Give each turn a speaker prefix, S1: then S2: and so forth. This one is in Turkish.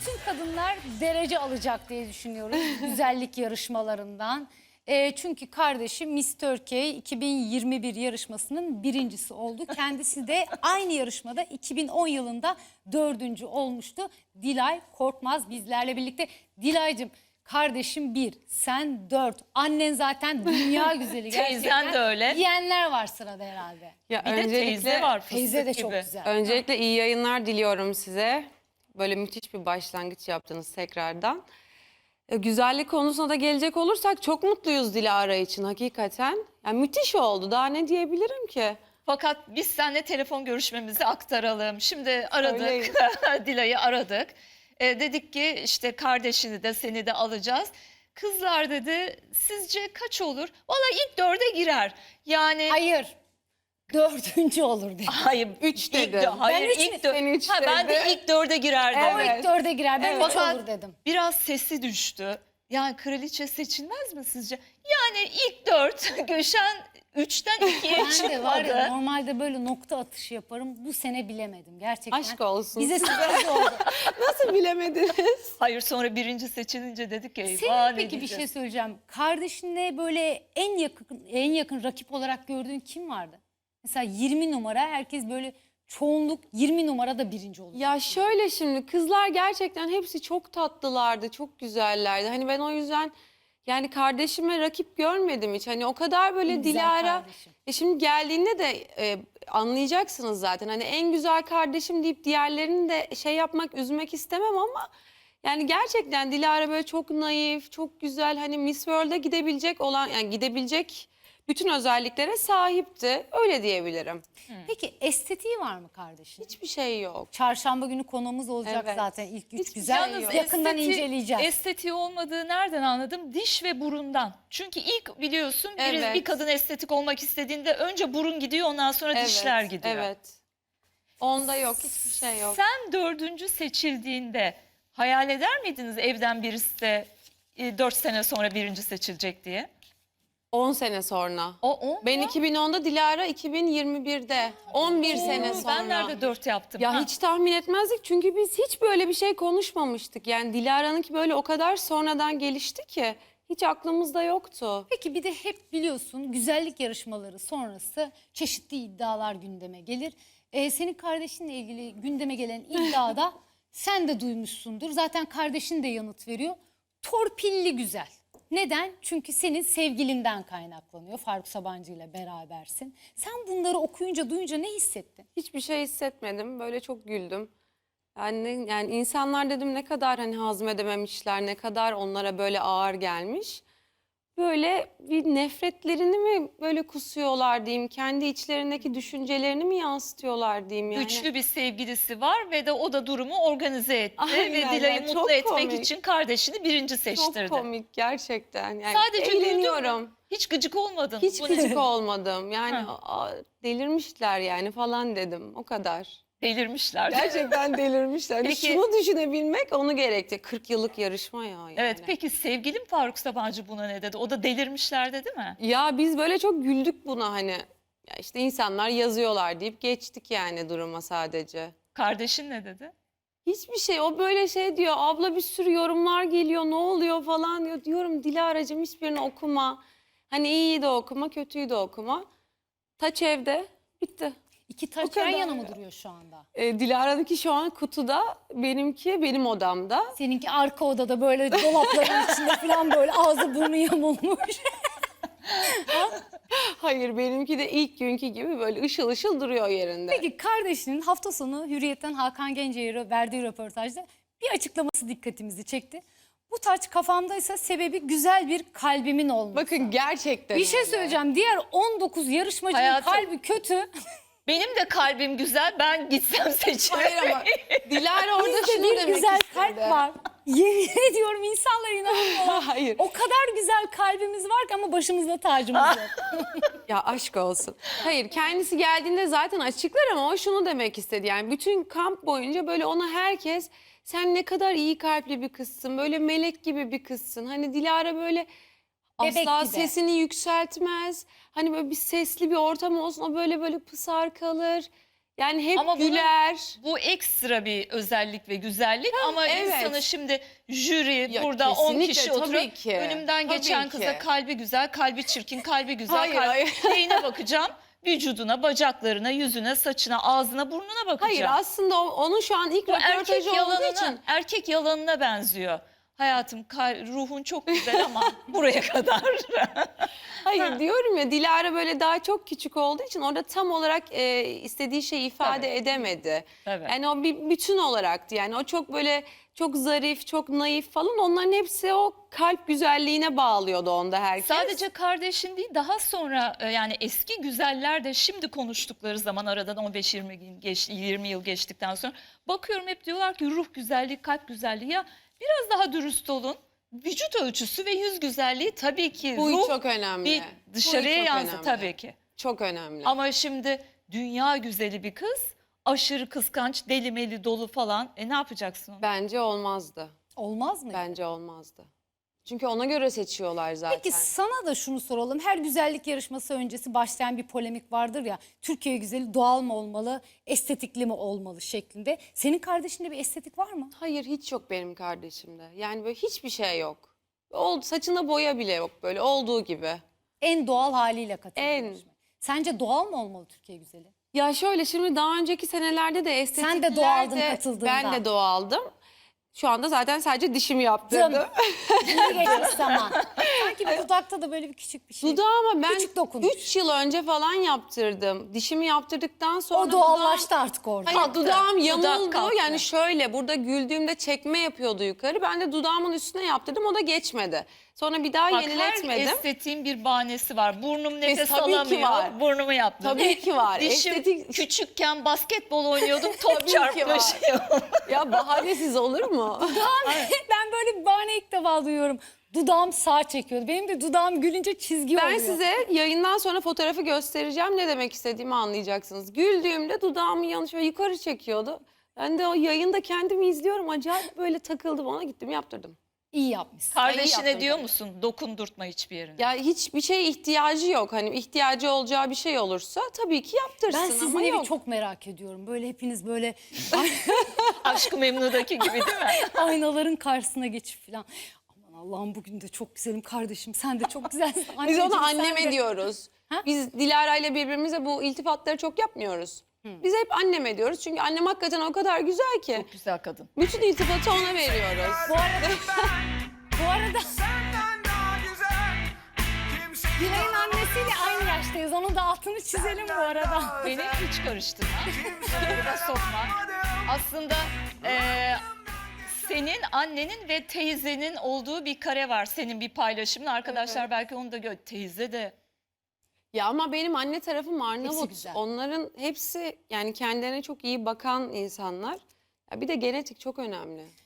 S1: bütün kadınlar derece alacak diye düşünüyoruz güzellik yarışmalarından. Çünkü kardeşim Miss Turkey 2021 yarışmasının birincisi oldu. Kendisi de aynı yarışmada 2010 yılında 4. olmuştu. Dilay Korkmaz bizlerle birlikte. Dilay'cığım, kardeşim 1, sen 4. Annen zaten dünya güzeli gerçekten.
S2: Teyzen de öyle.
S1: Diyenler var sırada herhalde.
S3: Ya
S2: Bir de teyze var, fıstık
S1: Teyze de
S2: gibi.
S1: çok güzel.
S3: Öncelikle iyi yayınlar diliyorum size. Böyle müthiş bir başlangıç yaptınız tekrardan. Güzellik konusuna da gelecek olursak çok mutluyuz Dilara için hakikaten. Yani müthiş oldu. Daha ne diyebilirim ki?
S2: Fakat biz seninle telefon görüşmemizi aktaralım. Şimdi aradık,
S3: Söyleyin.
S2: Dilay'ı aradık. Dedik ki işte kardeşini de seni de alacağız. Kızlar dedi sizce kaç olur? Vallahi ilk 4'e girer. Yani
S1: Hayır. 4. olur dedi.
S2: hayır
S3: 3
S2: ilk
S3: dedim.
S2: hayır
S1: Ben üç
S2: ilk
S1: mü?
S3: Sen üç
S2: ben de
S3: dedin.
S2: ilk 4'e girer dedim.
S1: O ilk 4'e girer. Ben 3
S2: Fakat
S1: olur dedim.
S2: biraz sesi düştü. Yani kraliçe seçilmez mi sizce? Yani ilk 4 Gülşen 3'ten 2'ye
S1: Ben de var ya
S2: çıkmadı.
S1: normalde böyle nokta atışı yaparım. Bu sene bilemedim gerçekten.
S3: Aşk olsun.
S1: Bize sürpriz oldu.
S3: Nasıl bilemediniz?
S2: Hayır sonra birinci seçilince dedik ki
S1: Senin
S2: eyvah ne
S1: peki bir
S2: diyeceğiz?
S1: şey söyleyeceğim. Kardeşinle böyle en yakın rakip olarak gördüğün kim vardı? Mesela 20 numara herkes böyle çoğunluk 20 numara da birinci oldu.
S3: Ya şöyle şimdi kızlar gerçekten hepsi çok tatlılardı, çok güzellerdi. Hani ben o yüzden yani kardeşime rakip görmedim hiç. Hani o kadar böyle
S1: En güzel
S3: Dilara.
S1: kardeşim.
S3: Şimdi geldiğinde de anlayacaksınız zaten. Hani en güzel kardeşim deyip diğerlerini de şey yapmak, üzmek istemem ama yani gerçekten Dilara böyle çok naif, çok güzel. Hani Miss World'a gidebilecek olan yani gidebilecek bütün özelliklere sahipti. Öyle diyebilirim.
S1: Peki estetiği var mı kardeşin?
S3: Hiçbir şey yok.
S1: Çarşamba günü konuğumuz olacak
S3: Evet.
S1: zaten ilk 3
S3: Hiçbir
S1: güzel.
S3: şey yok.
S1: Yakından inceleyeceğiz.
S2: Estetiği olmadığı nereden anladım? Diş ve burundan. Çünkü ilk biliyorsun
S3: Evet.
S2: bir kadın estetik olmak istediğinde önce burun gidiyor ondan sonra dişler gidiyor.
S3: Evet. Onda yok, hiçbir şey yok.
S2: Sen 4. seçildiğinde hayal eder miydiniz evden birisi de 4 sene sonra birinci seçilecek diye?
S3: 10 sene sonra.
S2: O
S3: Ben 2010'da, Dilara 2021'de. 11 sene sonra.
S2: Ben nerede 4 yaptım?
S3: Ya
S2: Ha.
S3: hiç tahmin etmezdik çünkü biz hiç böyle bir şey konuşmamıştık. Yani Dilara'nınki böyle o kadar sonradan gelişti ki hiç aklımızda yoktu.
S1: Peki bir de hep biliyorsun güzellik yarışmaları sonrası çeşitli iddialar gündeme gelir. Senin kardeşinle ilgili gündeme gelen iddiada sen de duymuşsundur. Zaten kardeşin de yanıt veriyor. Torpilli güzel. Neden? Çünkü senin sevgilinden kaynaklanıyor. Faruk Sabancı ile berabersin. Sen bunları okuyunca, duyunca ne hissettin?
S3: Hiçbir şey hissetmedim. Böyle çok güldüm. Yani insanlar dedim ne kadar hani hazmedememişler, ne kadar onlara böyle ağır gelmiş. Böyle bir nefretlerini mi böyle kusuyorlar diyeyim, kendi içlerindeki düşüncelerini mi yansıtıyorlar diyeyim yani.
S2: Güçlü bir sevgilisi var ve de o da durumu organize etti
S3: Aynen
S2: ve
S3: ya,
S2: Dilay'ı
S3: çok
S2: mutlu etmek
S3: komik.
S2: için kardeşini birinci seçtirdi.
S3: Çok komik gerçekten. Yani
S2: Sadece güldün mü?
S3: eğleniyorum.
S2: Hiç gıcık olmadın.
S3: Hiç
S2: Bu ne?
S3: gıcık olmadım. Yani
S2: Ha.
S3: delirmişler yani falan dedim. O kadar.
S2: Delirmişler.
S3: Gerçekten delirmişler.
S2: Peki-
S3: Şunu düşünebilmek onu gerekti. 40 yıllık yarışma ya yani.
S2: Evet peki sevgilim Faruk Sabancı buna ne dedi? O da delirmişler dedi mi?
S3: Ya biz böyle çok güldük buna hani. Ya işte insanlar yazıyorlar deyip geçtik yani duruma sadece.
S2: Kardeşin ne dedi?
S3: Hiçbir şey, o böyle şey diyor, abla bir sürü yorumlar geliyor, ne oluyor falan diyor. Diyorum Dilara'cığım hiçbirini okuma. Hani iyiyi de okuma, kötüyü de okuma. Taç evde, bitti.
S1: İki taç
S3: kadar
S1: yan yana
S3: ya.
S1: mı duruyor şu anda?
S3: Dilara'nınki şu an kutuda, benimki benim odamda.
S1: Seninki arka odada böyle dolapların içinde falan böyle ağzı burnu yamulmuş.
S3: Hayır, benimki de ilk günkü gibi böyle ışıl ışıl duruyor yerinde.
S1: Peki kardeşinin hafta sonu Hürriyet'ten Hakan Gence'ye verdiği röportajda bir açıklaması dikkatimizi çekti. Bu taç kafamdaysa sebebi güzel bir kalbimin olması.
S3: Bakın gerçekten
S1: Bir şey
S3: öyle.
S1: söyleyeceğim. Diğer 19 yarışmacının
S2: Hayatım.
S1: kalbi kötü.
S2: Benim de kalbim güzel ben gitsem seçerim.
S3: Hayır ama Dilara orada
S1: Bizde
S3: şunu
S1: bir
S3: demek
S1: güzel
S3: istedi.
S1: kalp var. Yemin ediyorum insanlar inanmıyorlar.
S3: Hayır.
S1: O kadar güzel kalbimiz var ki ama başımızda tacımız yok.
S3: Ya aşk olsun. Hayır, kendisi geldiğinde zaten açıklar ama o şunu demek istedi. Yani bütün kamp boyunca böyle ona herkes sen ne kadar iyi kalpli bir kızsın. Böyle melek gibi bir kızsın. Hani Dilara böyle
S1: Bebek
S3: asla
S1: gibi.
S3: sesini yükseltmez. Hani böyle bir sesli bir ortam olsun o böyle pısar kalır. Yani hep
S2: Ama bunun-
S3: güler.
S2: Bu ekstra bir özellik ve güzellik ama
S3: evet.
S2: insanı şimdi jüri
S3: Ya
S2: burada 10
S3: kesinlikle,
S2: kişi
S3: tabii
S2: oturup
S3: ki.
S2: önümden
S3: Tabii
S2: geçen
S3: ki.
S2: kıza kalbi güzel, kalbi çirkin, kalbi güzel,
S3: Hayır, hayır.
S2: neyine bakacağım? Vücuduna, bacaklarına, yüzüne, saçına, ağzına, burnuna bakacağım.
S3: Hayır aslında onun şu an ilk
S2: Bu erkek
S3: röportajı olduğu
S2: yalanına,
S3: için.
S2: erkek yalanına benziyor. Hayatım, ruhun çok güzel ama buraya kadar.
S3: Hayır diyorum ya, Dilara böyle daha çok küçük olduğu için orada tam olarak istediği şeyi ifade
S2: Tabii.
S3: edemedi.
S2: Tabii.
S3: Yani o bir bütün olaraktı. Yani o çok böyle çok zarif, çok naif falan, onların hepsi o kalp güzelliğine bağlıyordu onda herkes.
S2: Sadece kardeşin değil, daha sonra yani eski güzeller de şimdi konuştukları zaman aradan 15-20 gün geçti, 20 yıl geçtikten sonra bakıyorum hep diyorlar ki ruh güzelliği, kalp güzelliği. Ya biraz daha dürüst olun. Vücut ölçüsü ve yüz güzelliği tabii ki
S3: Bu
S2: ruh
S3: çok önemli.
S2: bir dışarıya
S3: Bu çok
S2: yansır
S3: önemli.
S2: tabii ki.
S3: Çok önemli.
S2: Ama şimdi dünya güzeli bir kız, aşırı kıskanç, deli meli dolu falan. Ne yapacaksın onu?
S3: Bence olmazdı.
S1: Olmaz mı?
S3: Bence olmazdı. Çünkü ona göre seçiyorlar zaten.
S1: Peki sana da şunu soralım. Her güzellik yarışması öncesi başlayan bir polemik vardır ya. Türkiye güzeli doğal mı olmalı, estetikli mi olmalı şeklinde. Senin kardeşinde bir estetik var mı?
S3: Hayır, hiç yok benim kardeşimde. Yani böyle hiçbir şey yok. Saçında boya bile yok, böyle olduğu gibi.
S1: En doğal haliyle katıldı.
S3: En.
S1: yarışmaya. Sence doğal mı olmalı Türkiye güzeli?
S3: Ya şöyle, şimdi daha önceki senelerde de estetiklerde...
S1: Sen de doğaldın katıldığında.
S3: Ben de doğaldım. Şu anda zaten sadece dişimi yaptırdım.
S1: İyi geçmiş zaman. Sanki bir dudakta da böyle bir küçük bir şey.
S3: Dudağıma ben
S1: Küçük dokunuş.
S3: 3 yıl önce falan yaptırdım. Dişimi yaptırdıktan sonra
S1: O doğallaştı artık orada.
S3: Hayır, dudağım yamuldu.
S2: kalktı.
S3: Yani şöyle, burada güldüğümde çekme yapıyordu yukarı. Ben de dudağımın üstüne yaptırdım. O da geçmedi. Sonra bir daha
S2: Bak, her
S3: yeniletmedim.
S2: estetiğin bir bahanesi var. Burnum nefes
S3: tabii ki
S2: alamıyor.
S3: var.
S2: Burnumu yaptım.
S3: Tabii ki var.
S2: Dişim
S3: Estetik-
S2: küçükken basketbol oynuyordum. Top
S3: Tabii ki
S2: çarpmış.
S3: Ya bahanesiz olur mu?
S1: Ben böyle bir bahane ilk defa duyuyorum. Dudağım sağ çekiyordu. Benim de dudağım gülünce çizgi
S3: Ben
S1: oluyor.
S3: size yayından sonra fotoğrafı göstereceğim. Ne demek istediğimi anlayacaksınız. Güldüğümde dudağımı yanlış ve yukarı çekiyordu. Ben de o yayında kendimi izliyorum. Acayip böyle takıldım, ona gittim yaptırdım.
S1: İyi yapmışsın.
S2: Kardeşine
S3: yaptım
S2: diyor
S3: tabii.
S2: musun? Dokundurtma hiçbir yerine.
S3: Ya hiçbir şeye ihtiyacı yok. Hani ihtiyacı olacağı bir şey olursa tabii ki yaptırsın
S1: Ben sizin
S3: ama
S1: evi
S3: yok.
S1: çok merak ediyorum. Böyle hepiniz böyle
S2: Aşk-ı Memnu'daki gibi değil mi?
S1: aynaların karşısına geçip falan. Aman Allah'ım bugün de çok güzelim kardeşim. Sen de çok güzelsin.
S3: Biz
S1: Anneciğim,
S3: ona
S1: sen
S3: anneme
S1: de.
S3: diyoruz.
S1: Ha?
S3: Biz Dilara ile birbirimize bu iltifatları çok yapmıyoruz. Biz hep anneme diyoruz. Çünkü annem hakikaten o kadar güzel ki.
S2: Çok güzel kadın.
S3: Bütün iltifatı ona veriyoruz.
S1: Bu arada
S4: Senden daha güzel kimseyi
S1: Dilay'ın annesiyle aynı yaştayız. Onun da altını çizelim bu arada.
S2: Beni hiç karıştırma. Burada sokma. Aslında senin annenin ve teyzenin olduğu bir kare var. Senin bir paylaşımın. Arkadaşlar belki onu da teyze de.
S3: Ya ama benim anne tarafım
S1: Hepsi
S3: Arnavut.
S1: güzel.
S3: Onların hepsi yani kendilerine çok iyi bakan insanlar. Ya bir de genetik çok önemli.